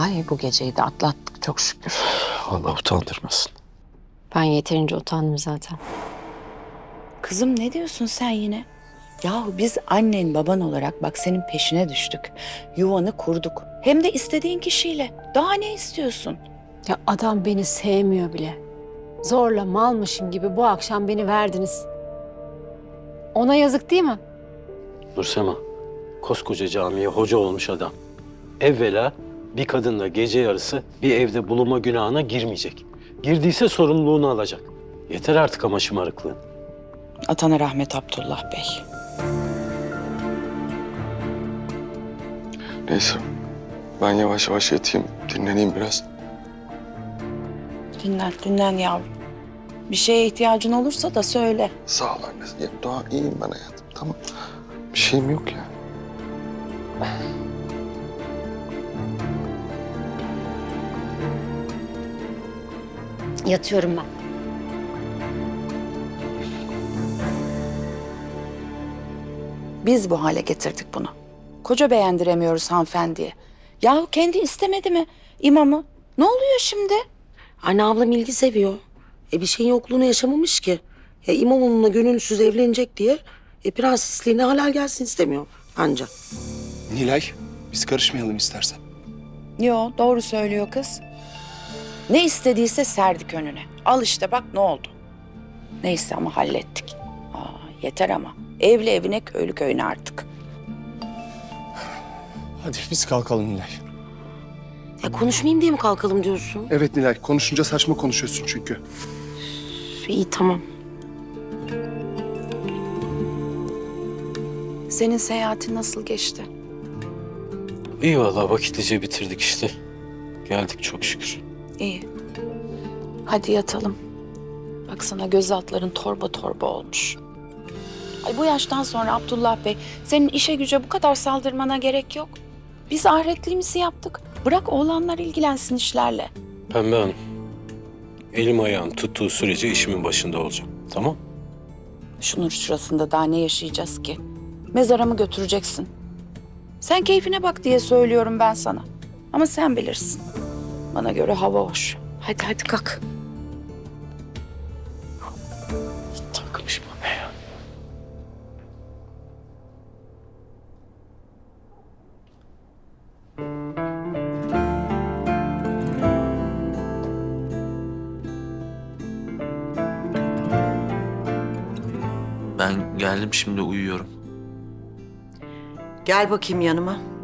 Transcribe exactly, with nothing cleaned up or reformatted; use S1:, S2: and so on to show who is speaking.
S1: Ay bu geceyi de atlattık çok şükür.
S2: Allah utandırmasın.
S1: Ben yeterince utandım zaten.
S3: Kızım ne diyorsun sen yine? Yahu biz annen baban olarak bak senin peşine düştük. Yuvanı kurduk. Hem de istediğin kişiyle. Daha ne istiyorsun?
S1: Ya adam beni sevmiyor bile. Zorla malmışım gibi bu akşam beni verdiniz. Ona yazık değil mi?
S2: Nursema, koskoca camiye hoca olmuş adam. Evvela bir kadınla gece yarısı bir evde bulunma günahına girmeyecek. Girdiyse sorumluluğunu alacak. Yeter artık ama şımarıklığın.
S3: Atana rahmet Abdullah Bey.
S4: Neyse. Ben yavaş yavaş yatayım, dinleneyim biraz.
S3: Dinlen, dinlen yavrum. Bir şeye ihtiyacın olursa da söyle.
S4: Sağ ol anne. Ya, daha iyiyim ben hayatım. Tamam. Bir şeyim yok ya.
S1: Yatıyorum ben.
S3: Biz bu hale getirdik bunu. Koca beğendiremiyoruz hanımefendiye. Yahu kendi istemedi mi imamı? Ne oluyor şimdi?
S5: Anne ablam ilgi seviyor. E bir şeyin yokluğunu yaşamamış ki. Ya imam onunla gönülsüz evlenecek diye e, prensesliğine halal gelsin istemiyor anca.
S6: Nilay, biz karışmayalım istersen.
S3: Yo, doğru söylüyor kız. Ne istediyse serdik önüne. Al işte bak ne oldu. Neyse ama hallettik. Aa, yeter ama. Evli evine, köylü köyüne artık.
S6: Hadi biz kalkalım Nilay.
S5: Ya konuşmayayım diye mi kalkalım diyorsun?
S6: Evet Nilay, konuşunca saçma konuşuyorsun çünkü.
S5: Üf, İyi tamam.
S3: Senin seyahatin nasıl geçti?
S2: İyi vallahi vakitlice bitirdik işte. Geldik çok şükür.
S3: İyi. Hadi yatalım. Baksana göz altların torba torba olmuş. Ay bu yaştan sonra Abdullah Bey, senin işe güce bu kadar saldırmana gerek yok. Biz ahiretliğimizi yaptık. Bırak oğlanlar ilgilensin işlerle.
S2: Pembe Hanım, elim ayağım tuttuğu sürece işimin başında olacağım. Tamam?
S3: Şunun şurasında daha ne yaşayacağız ki? Mezara mı götüreceksin? Sen keyfine bak diye söylüyorum ben sana. Ama sen bilirsin. Bana göre hava hoş. Hadi hadi kalk.
S2: Takmış bana ya.
S7: Ben geldim şimdi uyuyorum.
S5: Gel bakayım yanıma.